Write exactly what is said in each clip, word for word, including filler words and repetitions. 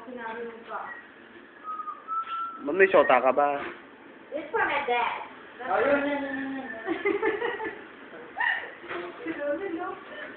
sinarunod ka. Ma'am, may shota ka ba? It's for my dad. Ayun. Sinunod, no?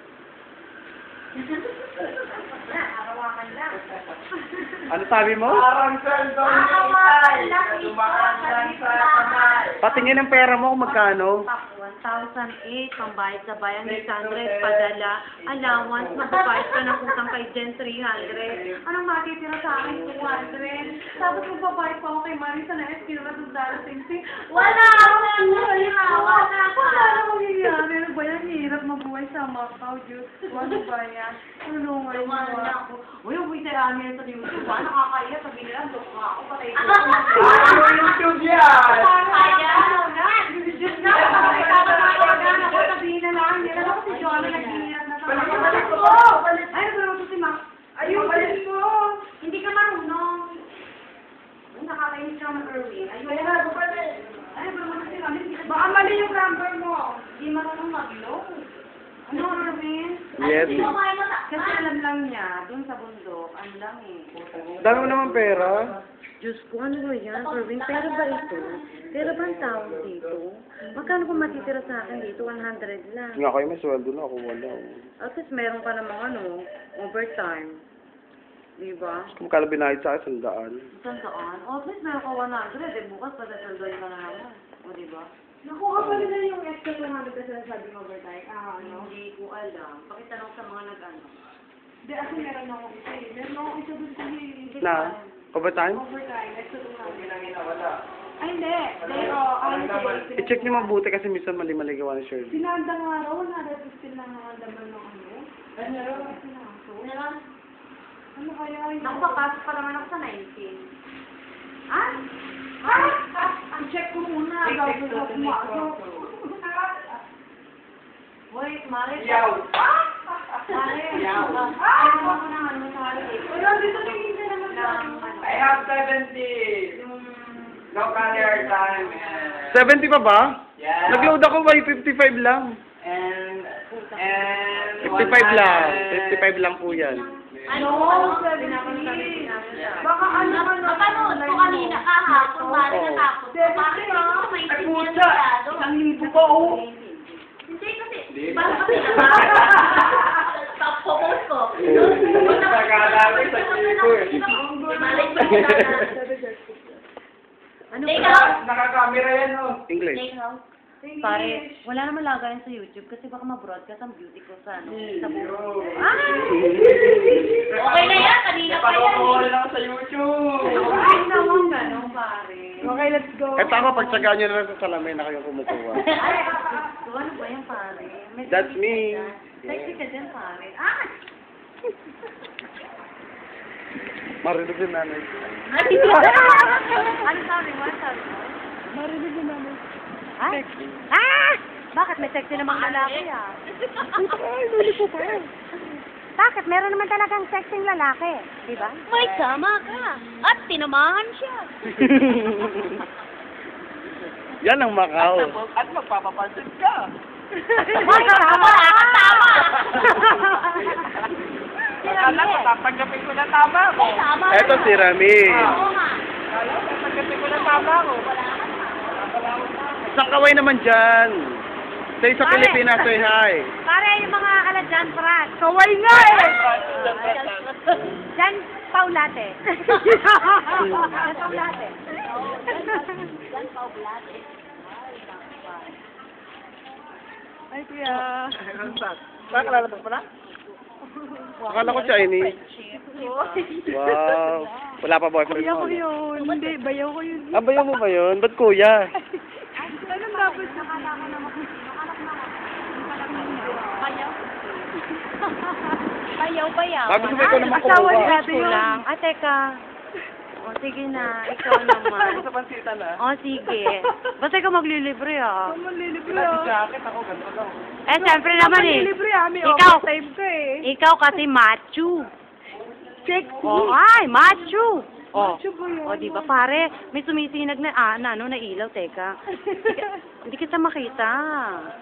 Arawakan lang. Ano sabi mo? Parang cellphone ni Itay. Dumaan lang sa kamay. Patingin ang pera mo kung magkano. one thousand eight, pambayad sa bayan, six hundred, padala, allowance, magbabayad ka ng utang kay Jen, three hundred. Anong matitira sa akin, two hundred? Tapos magbabayad pa ako kay Marisa na S, kinulatong dala sing-sing. Wala akong wala, wala ako. Wala na mangyayari. Ano ba yan? Hirap mabuhay sa Macau, Diyos. Ano ba yan? Ano nga yung mga ako? Uy, uwi sa amin sa YouTube. Ano nakakaya? Sabi nila, dok nga ako, patay ko. Ano YouTube yan? Kaya, Diyos na, makakatawagan ako, sabihin na lang, nila ako si Joanna nag-iiyak na sa Balik mga. balik mo! Ay, nagulong ko si Max. Ayun, balik mo! Hindi ka marunong. Ay, nakakainis ka ng Erwin. Ayun. Kaya na, bumalik! Ay, nagulong ko si Mami. Baka mali yung number mo. Hindi marunong mag-low. Ano, Erwin? Yes. Kasi alam lang niya, dun sa bundok, ano lang eh. Dami mo naman pera. Diyos ko, ano ba yan, Erwin? Pera ba ito? Pera ba ang tawag dito? Magkano kung matitira sa akin dito? one hundred lang. Nga kayo may sweldo na, ako wala. At least meron ka namang ano, overtime. Di ba? Kung magkano binayad sa akin, sandaan. Saan saan? O, at least meron ka one hundred. Eh, bukas patasaldoyin ka na naman. O, di ba? Nakuha pa nila yung extra one hundred na sinasabing overtime. Ah, ano? Hindi ko alam. Pakitanong sa mga nag-ano. Hindi, ako meron ako isa eh. Meron ako isa doon sa Hindi Na? ko alam. Overtime? overtime. Extra two hundred. Ay, hindi. Pero, ano kasi, I-check niyo mabuti kasi minsan mali-mali gawa ni Shirley. sinanda nga raw, one hundred fifty lang ang laman ng ano. Ano raw? Sinaso. Ano kaya yun? Naku, papasok pa naman ako sa nineteen. Ah? Ah? Ah? I-check ko muna. Bago ko pumasok. Wait, Mari. Yaw. Mari. Yaw. Ay, ano ko na ano sa Mari. Wala, dito tingin ka naman sa Ng, ano. ano, I have seventy. yung, Local airtime and seventy pa ba? yeah. Nag-load ako by fifty-five lang. And and fifty-five lang. fifty-five lang po yan. ano, ano, seventy. Baka ano ka na. Mapanood ko kanina kahapon, Mari, Oo. natakot. Seventy Bakit na. hindi ko Ay, maintindihan puta. masyado? Isang libo pa, oh. Hindi kasi, Di parang ba? kasi naman. Stop focus ko. Nag-aalala sa libo eh. Malay ko na. Ano ba? Naka-camera yan oh. English. Pare, wala naman lagayan sa YouTube kasi baka ma-broadcast ang beauty ko sa ano, sa buho. Yo. Ah! Okay na yan, kanina pa yan. Napanood lang sa YouTube. Ay, naman gano'n, pare. Okay, let's go. Eh, ako, pagtsagaan nyo na lang sa salamin na kayo kumukuha. Ay, so, ano ba yan, pare? May That's me. sexy ka dyan, pare. Ah! Marinig din nanay. Ano sabi mo? Ano sabi mo? Marinig din namin. Ay! Ah! Bakit may sexy namang lalaki ah? Ay, luli po pa. Bakit? Meron naman talagang sexy lalaki. Di ba? May sama ka. At tinamahan siya. Yan ang Macau. At magpapapansin ka. May tama! Tama! Akala ko tatanggapin ko na tama ko. May tama. Eto si Rami. Oo nga. Akala ko tatanggapin ko na tama ko. Isang kaway naman dyan. Say sa Pare. Pilipinas, say hi. Pare, yung mga kaladyan, Fran. Kaway nga eh! Jan Paulate. Jan Paulate. Jan Paulate. Ay, kuya. Bakit lalabas mo na? Akala ko Chinese. Wow. Wala pa boyfriend Kuya mo. ko yun. Hindi, bayaw ko yun. Ah, bayaw mo ba yun? Ba't kuya? Anong dapat? Bayaw. Bayaw, bayaw. Ah, gusto mo ikaw naman Asawa ni kumuha. ate yun. lang. Ah, teka. O, sige na. Ikaw naman. Sa pansitan ah. O, sige. Basta ikaw maglilibre, ah. Ako manlilibre Wala si ah. jacket ako, ganito lang. Eh, siyempre naman, eh. Manlilibre ah. May Ikaw. overtime ka eh. Ikaw kasi macho. Sexy. O, ay, macho. O, Macho ba yun? o, di ba, pare? May sumisinag na, ah, na, ano, na ilaw, teka. Hindi kita makita.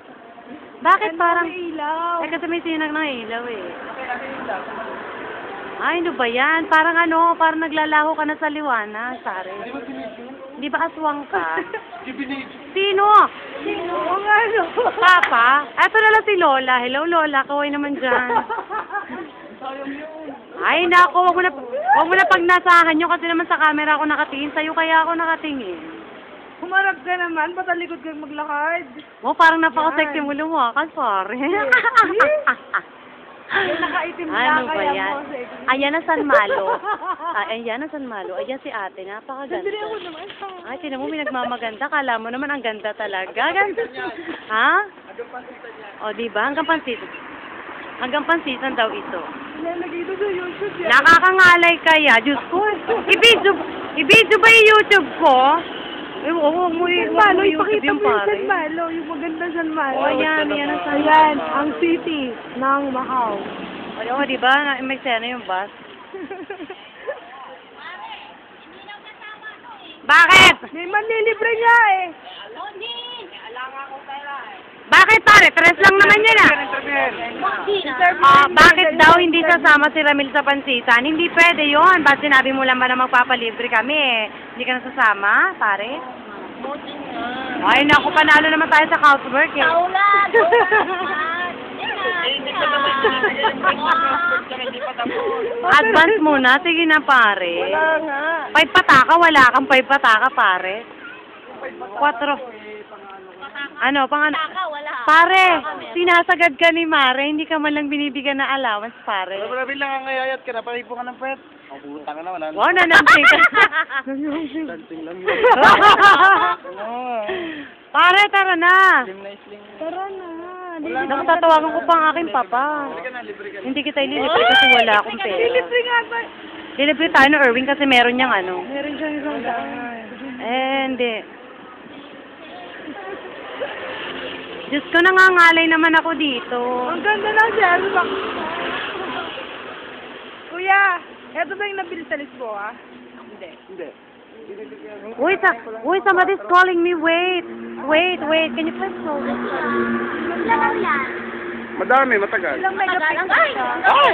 Bakit Ano parang, may ilaw? eh, kasi may sinag ng ilaw, eh. Okay, ano yun lang? Ay, ano ba yan? Parang ano, parang naglalaho ka na sa liwanag, pare. Di ba aswang ka? Sino? Sino? Ang ano? Papa? Eto na lang si Lola. Hello, Lola. Kaway naman dyan. Ay, nako. Wag mo na, wag mo na pagnasahan nyo kasi naman sa camera ako nakatingin. Sa'yo kaya ako nakatingin. Humarap ka naman, patalikod kang maglakad. Oh, parang napaka-sexy mo lumakas, pare. Yung nakaitim Ano lang, ba kaya yan? mo sexy. Ayan ang San Malo. Ay, ayan ang San Malo. Ayan si ate. Napakaganda. Sandali ako naman. Ay, tinan mo, may nagmamaganda. Kala mo naman ang ganda talaga. Ganda. Ha? O, diba? Hanggang pansitan. Hanggang pansitan daw ito. Lalagay ito sa YouTube yan. Nakakangalay kaya. Diyos ko. I-video, i-video ba yung YouTube ko? Eh, huwag mo San yung Malo, YouTube ipakita yung mo yung pare. San Malo, yung maganda San Malo. O, ayan. Ayan ang San Ayan, Malo. ang city ng Macau. Ay, oh, diba? Na- May sena yung bus. Bakit? May manlilibre niya eh. Bakit pare? Tres lang naman yan ah. Ah, bakit daw hindi sasama si Ramil sa pansitan? Hindi pwede yon. Ba't sinabi mo lang ba na magpapalibre kami eh? Hindi ka nasasama, pare? Ay, naku, panalo naman tayo sa housework eh. Advance muna. Sige na, pare. Wala nga. Five pataka, wala kang five pataka, pare. Quatro. Ano, pang ano? Pare, sinasagad ka ni Mare, hindi ka man lang binibigyan na allowance, pare. Marami lang ang ngayayat ka na, paripo ka ng pet. Ang puta ka na, wala na. Wow, nanansing ka. Dancing lang yun. Oo. Pare, tara na. Slim na slim. Tara na. Naku, tatawagan ko pa ang aking papa. Halika na, libre ka na. Hindi kita ililibre kasi wala akong pera. Lilibre nga ba? Lilibre tayo ng Erwin kasi meron niyang ano. Meron siyang isang daan. Eh, hindi. Diyos ko, nangangalay naman ako dito. Ang ganda ng Sherlock. Kuya, eto ba yung nabili sa Lisboa? Hindi. Uy, sa, uy, somebody's calling me. Wait. Wait, wait. Can you please hold this? Madami, matagal. Ilang megapixel siya? Oh!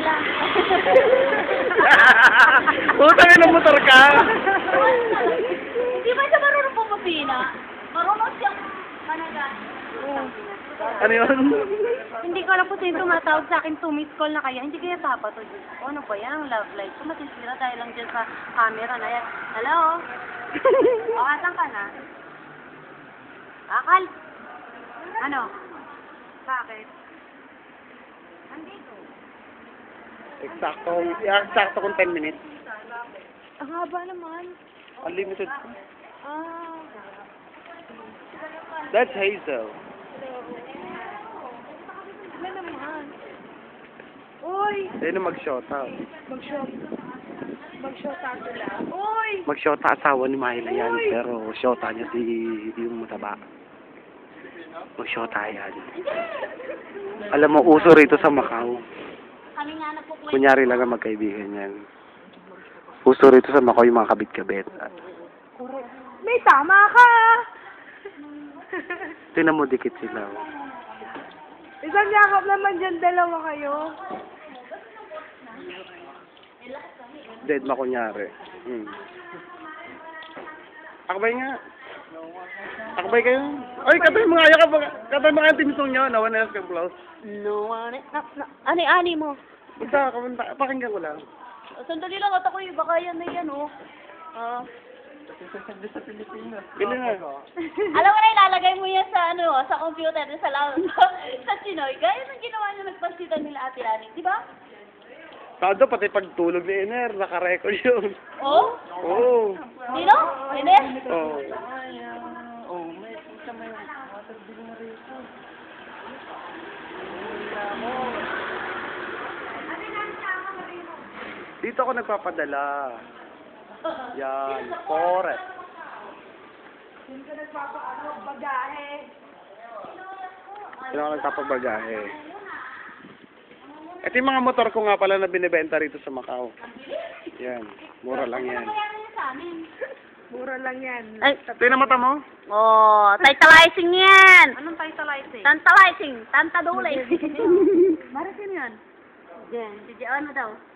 Puta ka ng motor ka. Hindi ba siya marunong pumapina? Marunong siyang managan. Ano yun? Hindi ko alam kung sino tumatawag sa akin to miss call na kaya. Hindi kaya papa to. Diyos ko, ano ba yan? Ang love life ko. Masisira dahil lang dyan sa camera na yan. Hello? O, asan ka na? Akal? Ano? Bakit? Nandito. Eksakto, eksakto kung ten minutes. Ang haba naman. Unlimited. Ah. That's Hazel. Wala naman. Uy! Ayun ang mag-shota. Mag-shot. Mag-shot ako lang. Uy! Mag-shota asawa ni Mahila yan, pero shota niya si yung mataba. Mag-shota yan. Alam mo, uso rito sa Macau. Kami nga nagpukwento. Kunyari lang ang magkaibigan yan. Uso rito sa Macau yung mga kabit-kabit. May tama ka! Tinan mo, dikit sila. oh. Isang yakap naman dyan, dalawa kayo. Dead ma kunyari. Hmm. Akbay nga. Akbay kayo. Ay, katay mga ayaw ka ba? Katay mga team song nyo. No one else can close. No, ano, na, na, ani, ani mo. Basta, kamanta, pakinggan ko lang. Sandali lang, at ako yung baka yan na yan, oh. Ah. Bili na. Alam mo na, ilalagay mo yan sa, ano, sa computer, sa, sa, sa Chinoy. Gaya ng ginawa niyo nagpansitan nila Ate Lani, di ba? Kado, pati pagtulog ni Ener, naka-record yun. Oh? Oo. Dino? Hindi? Oo. Dito ako nagpapadala. Yan, forest. Hindi ka nagpapaano, bagahe. Dito ako nagpapabagahe. Ito yung mga motor ko nga pala na binibenta rito sa Macau. Yan, mura lang yan. Kaya yan sa amin. Mura lang yan. Ay, Ito yung mata mo? oh, tantalizing yan. Anong tantalizing? Tantalizing, tantadulay. Marasin yan. Diyan, diyan, ano daw?